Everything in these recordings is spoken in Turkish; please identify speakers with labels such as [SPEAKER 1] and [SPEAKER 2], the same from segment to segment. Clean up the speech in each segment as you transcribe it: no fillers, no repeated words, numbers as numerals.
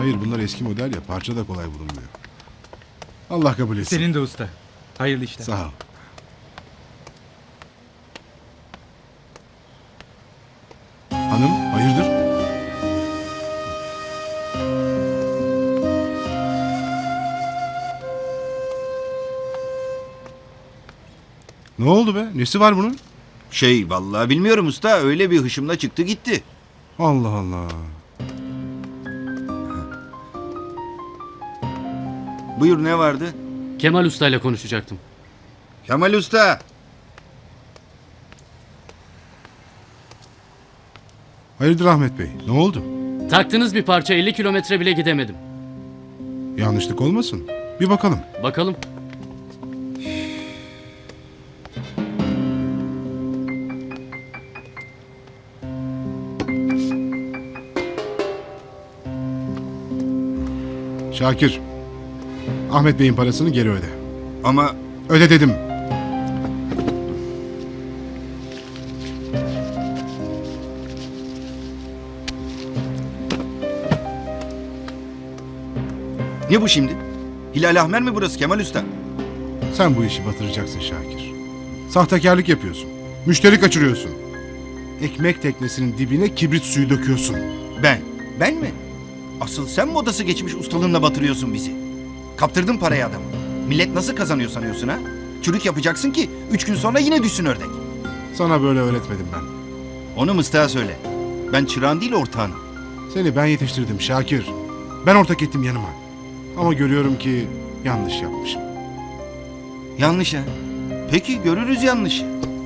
[SPEAKER 1] Hayır, bunlar eski model ya, parça da kolay bulunmuyor. Allah kabul etsin.
[SPEAKER 2] Senin de usta. Hayırlı işler.
[SPEAKER 1] Sağ ol. Hanım, hayırdır? Ne oldu be? Nesi var bunun?
[SPEAKER 3] Vallahi bilmiyorum usta, öyle bir hışımla çıktı gitti.
[SPEAKER 1] Allah Allah.
[SPEAKER 3] Buyur, ne vardı?
[SPEAKER 4] Kemal Usta ile konuşacaktım.
[SPEAKER 3] Kemal usta.
[SPEAKER 1] Hayırdır Ahmet Bey? Ne oldu?
[SPEAKER 4] Taktığınız bir parça 50 kilometre bile gidemedim.
[SPEAKER 1] Yanlışlık olmasın. Bir bakalım.
[SPEAKER 4] Bakalım.
[SPEAKER 1] Şakir. Ahmet Bey'in parasını geri öde.
[SPEAKER 3] Ama
[SPEAKER 1] Öde dedim.
[SPEAKER 3] ne bu şimdi? Hilal Ahmer mi burası Kemal usta?
[SPEAKER 1] Sen bu işi batıracaksın Şakir. Sahtekarlık yapıyorsun. Müşteri kaçırıyorsun. Ekmek teknesinin dibine kibrit suyu döküyorsun.
[SPEAKER 3] Ben mi? Asıl sen modası geçmiş ustalığınla batırıyorsun bizi. Kaptırdın parayı adamı. Millet nasıl kazanıyor sanıyorsun ha? Çürük yapacaksın ki 3 gün sonra yine düşsün ördek.
[SPEAKER 1] Sana böyle öğretmedim ben.
[SPEAKER 3] Onu mıstığa söyle. Ben çırağın değil ortağınım.
[SPEAKER 1] Seni ben yetiştirdim Şakir. Ben ortak ettim yanıma. Ama görüyorum ki yanlış yapmışım.
[SPEAKER 3] Yanlış ha? Peki görürüz yanlışı.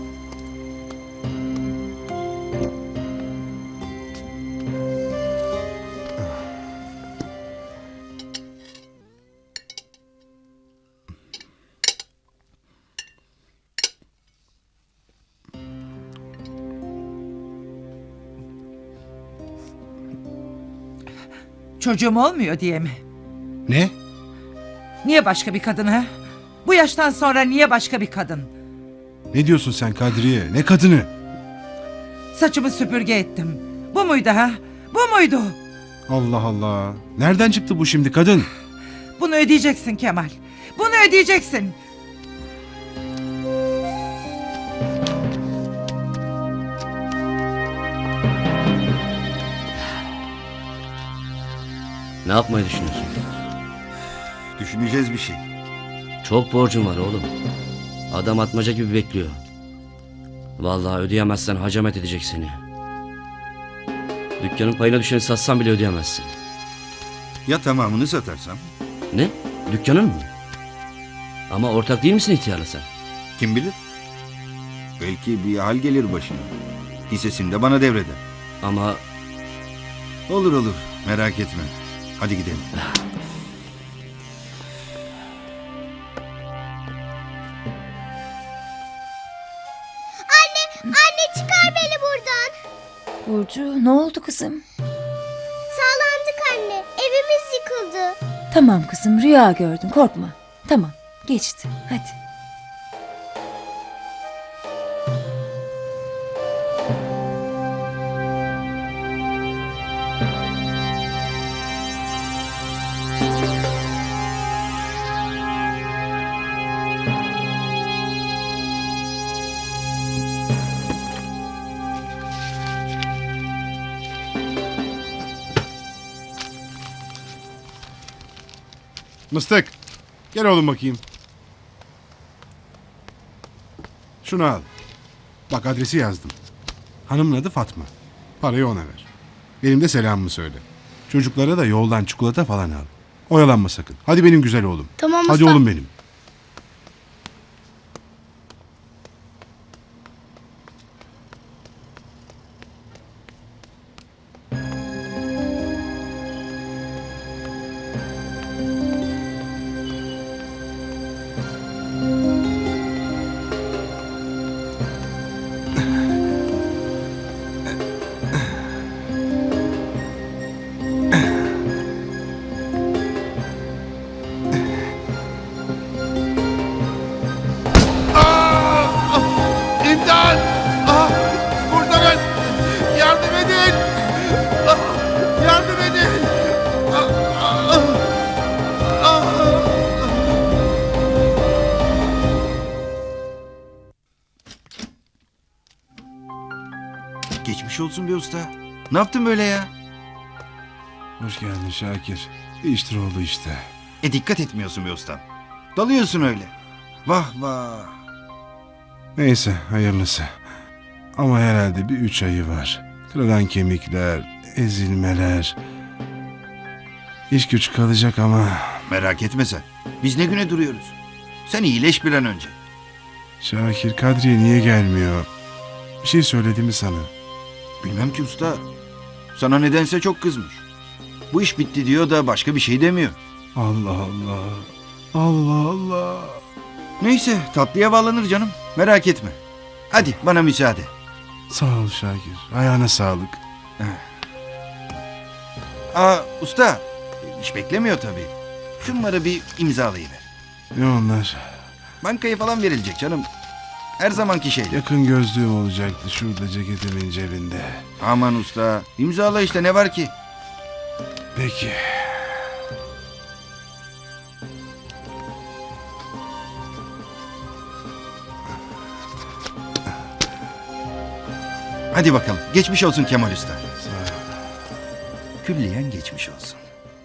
[SPEAKER 5] Çocuğum olmuyor diye mi?
[SPEAKER 1] Ne?
[SPEAKER 5] Niye başka bir kadın ha? Bu yaştan sonra niye başka bir kadın?
[SPEAKER 1] Ne diyorsun sen Kadriye? Ne kadını?
[SPEAKER 5] Saçımı süpürge ettim. Bu muydu ha? Bu muydu?
[SPEAKER 1] Allah Allah. Nereden çıktı bu şimdi kadın?
[SPEAKER 5] Bunu ödeyeceksin Kemal. Bunu ödeyeceksin.
[SPEAKER 4] Ne yapmayı düşünüyorsun?
[SPEAKER 3] Düşüneceğiz bir şey.
[SPEAKER 4] Çok borcum var oğlum. Adam atmaca gibi bekliyor. Vallahi ödeyemezsen hacamet edecek seni. Dükkanın payına düşeni satsan bile ödeyemezsin.
[SPEAKER 3] Ya tamamını satarsam?
[SPEAKER 4] Ne? Dükkanın mı? Ama ortak değil misin ihtiyarla sen?
[SPEAKER 3] Kim bilir? Belki bir hal gelir başına. Hissesini de bana devreder.
[SPEAKER 4] Ama
[SPEAKER 3] Olur olur, merak etme. Hadi gidelim.
[SPEAKER 6] Anne çıkar beni buradan.
[SPEAKER 7] Burcu ne oldu kızım?
[SPEAKER 6] Sağlandık anne. Evimiz yıkıldı.
[SPEAKER 7] Tamam kızım rüya gördün korkma. Tamam geçti hadi.
[SPEAKER 1] Mıstık. Gel oğlum bakayım. Şunu al. Bak adresi yazdım. Hanımın adı Fatma. Parayı ona ver. Benim de selamımı söyle. Çocuklara da yoldan çikolata falan al. Oyalanma sakın. Hadi benim güzel oğlum.
[SPEAKER 6] Tamam
[SPEAKER 1] Hadi
[SPEAKER 6] usta.
[SPEAKER 1] oğlum benim.
[SPEAKER 3] Geçmiş olsun be usta. Ne yaptın böyle ya?
[SPEAKER 1] Hoş geldin Şakir. İştir oldu işte.
[SPEAKER 3] Dikkat etmiyorsun be ustam. Dalıyorsun öyle. Vah vah.
[SPEAKER 1] Neyse hayırlısı. Ama herhalde bir 3 ayı var. Kırılan kemikler, ezilmeler. İş güç kalacak ama...
[SPEAKER 3] Merak etme sen. Biz ne güne duruyoruz. Sen iyileş bir an önce.
[SPEAKER 1] Şakir, Kadriye niye gelmiyor? Bir şey söyledi mi sana?
[SPEAKER 3] Bilmem ki usta. Sana nedense çok kızmış. Bu iş bitti diyor da başka bir şey demiyor.
[SPEAKER 1] Allah Allah. Allah Allah.
[SPEAKER 3] Neyse tatlıya bağlanır canım. Merak etme. Hadi bana müsaade.
[SPEAKER 1] Sağ ol Şakir. Ayağına sağlık.
[SPEAKER 3] Aa usta. Hiç beklemiyor tabii. Şunları bir imzalayıver.
[SPEAKER 1] Ne onlar?
[SPEAKER 3] Bankaya falan verilecek canım. Her zamanki şey.
[SPEAKER 1] Yakın gözlüğüm olacaktı şurada ceketimin cebinde.
[SPEAKER 3] Aman usta. İmzala işte ne var ki?
[SPEAKER 1] Peki.
[SPEAKER 3] Hadi bakalım. Geçmiş olsun Kemal Usta.
[SPEAKER 1] Sağ ol.
[SPEAKER 3] Külliyen geçmiş olsun.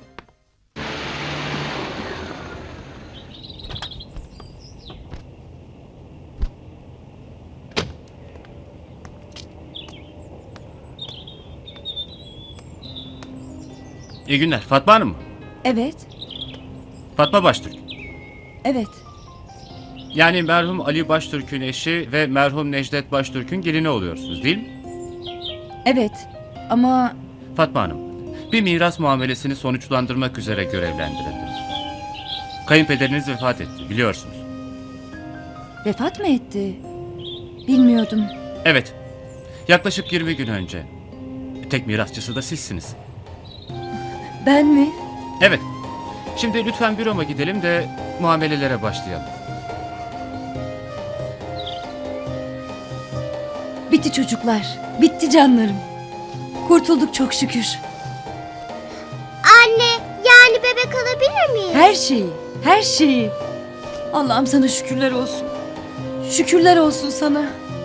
[SPEAKER 2] İyi günler. Fatma Hanım mı?
[SPEAKER 7] Evet,
[SPEAKER 2] Fatma Baştürk.
[SPEAKER 7] evet.
[SPEAKER 2] Yani merhum Ali Baştürk'ün eşi ve merhum Necdet Baştürk'ün gelini oluyorsunuz değil mi?
[SPEAKER 7] Evet. Ama
[SPEAKER 2] Fatma Hanım, bir miras muamelesini sonuçlandırmak üzere görevlendirildiniz. Kayınpederiniz vefat etti biliyorsunuz.
[SPEAKER 7] vefat mı etti? Bilmiyordum.
[SPEAKER 2] Evet, yaklaşık 20 gün önce. Tek mirasçısı da sizsiniz.
[SPEAKER 7] Ben mi?
[SPEAKER 2] Evet, şimdi lütfen büroma gidelim de muamelelere başlayalım.
[SPEAKER 7] Bitti çocuklar. Bitti canlarım. Kurtulduk çok şükür.
[SPEAKER 6] Anne, yani bebek alabilir miyim?
[SPEAKER 7] Her şeyi, her şeyi. Allah'ım sana şükürler olsun. Şükürler olsun sana.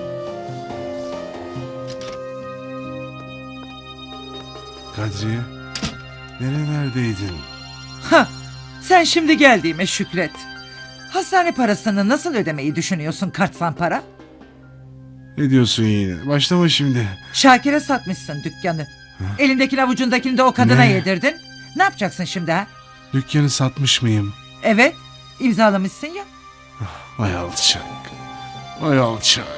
[SPEAKER 1] Kadriye, nerelerdeydin?
[SPEAKER 5] Ha, sen şimdi geldiğime şükret. Hastane parasını nasıl ödemeyi düşünüyorsun kartsan para?
[SPEAKER 1] Ne diyorsun yine? Başlama şimdi.
[SPEAKER 5] Şakir'e satmışsın dükkanı. Elindekini avucundakini de o kadına
[SPEAKER 1] Ne?
[SPEAKER 5] yedirdin. Ne yapacaksın şimdi ha?
[SPEAKER 1] Dükkanı satmış mıyım?
[SPEAKER 5] Evet, imzalamışsın ya.
[SPEAKER 1] Vay alçak. Vay alçak.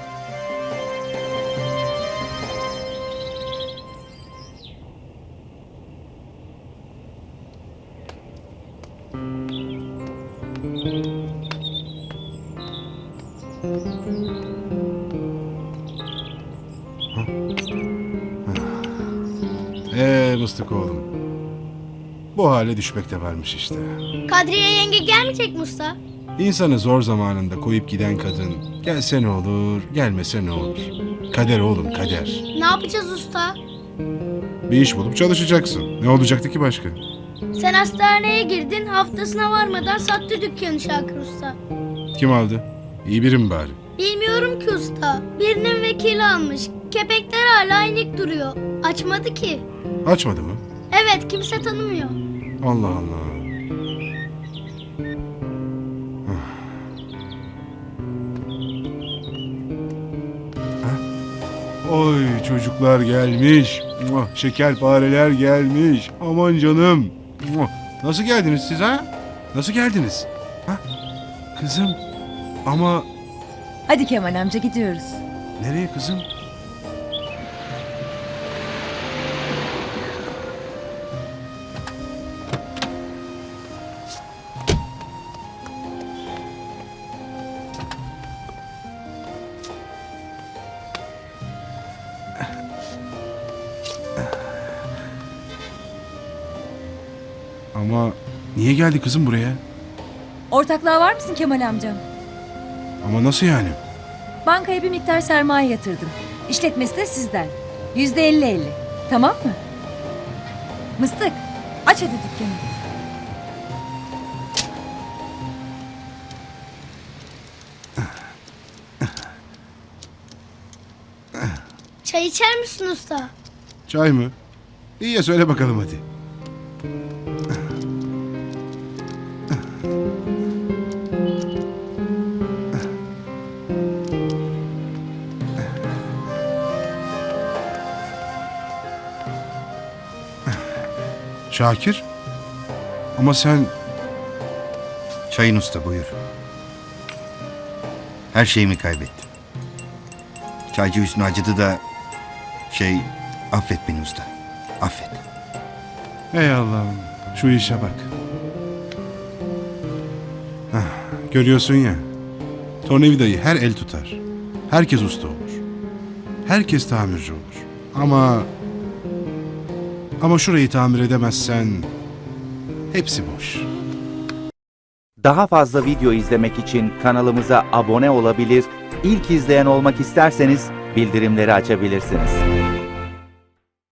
[SPEAKER 1] Mıstık oğlum. Bu hale düşmek de varmış işte.
[SPEAKER 6] Kadriye yenge gelmeyecek mi usta?
[SPEAKER 1] İnsanı zor zamanında koyup giden kadın gelse ne olur, gelmese ne olur. Kader oğlum, kader.
[SPEAKER 6] Ne yapacağız usta?
[SPEAKER 1] Bir iş bulup çalışacaksın. Ne olacaktı ki başka?
[SPEAKER 6] Sen hastaneye girdin, haftasına varmadan sattı dükkanı Şakir usta.
[SPEAKER 1] Kim aldı? İyi biri mi bari?
[SPEAKER 6] Bilmiyorum ki usta. Birinin vekili almış. Kepekler hala inik duruyor. Açmadı ki.
[SPEAKER 1] Açmadı mı?
[SPEAKER 6] Evet, kimse tanımıyor.
[SPEAKER 1] Allah Allah. Oy çocuklar gelmiş. Muah, şekerpareler gelmiş. Aman canım. Muah. Nasıl geldiniz siz ha? Nasıl geldiniz? Ha? Kızım. Ama
[SPEAKER 7] Hadi Kemal amca gidiyoruz.
[SPEAKER 1] nereye kızım? Ama niye geldi kızım buraya?
[SPEAKER 7] Ortaklığa var mısın Kemal amcam?
[SPEAKER 1] Ama nasıl yani?
[SPEAKER 7] Bankaya bir miktar sermaye yatırdım. İşletmesi de sizden. %50-50. Tamam mı? Mıstık, aç hadi dükkanı.
[SPEAKER 6] Çay içer misin usta?
[SPEAKER 1] Çay mı? İyi ya, söyle bakalım hadi. Şakir? Ama sen...
[SPEAKER 3] Çayın usta, buyur. Her şeyimi kaybettim. Çaycı Hüsnü acıdı da... affet beni usta. Affet.
[SPEAKER 1] Ey Allah'ım, şu işe bak. Hah, görüyorsun ya, tornavidayı her el tutar. Herkes usta olur. Herkes tamirci olur. Ama şurayı tamir edemezsen hepsi boş.
[SPEAKER 8] Daha fazla video izlemek için kanalımıza abone olabilir, ilk izleyen olmak isterseniz bildirimleri açabilirsiniz.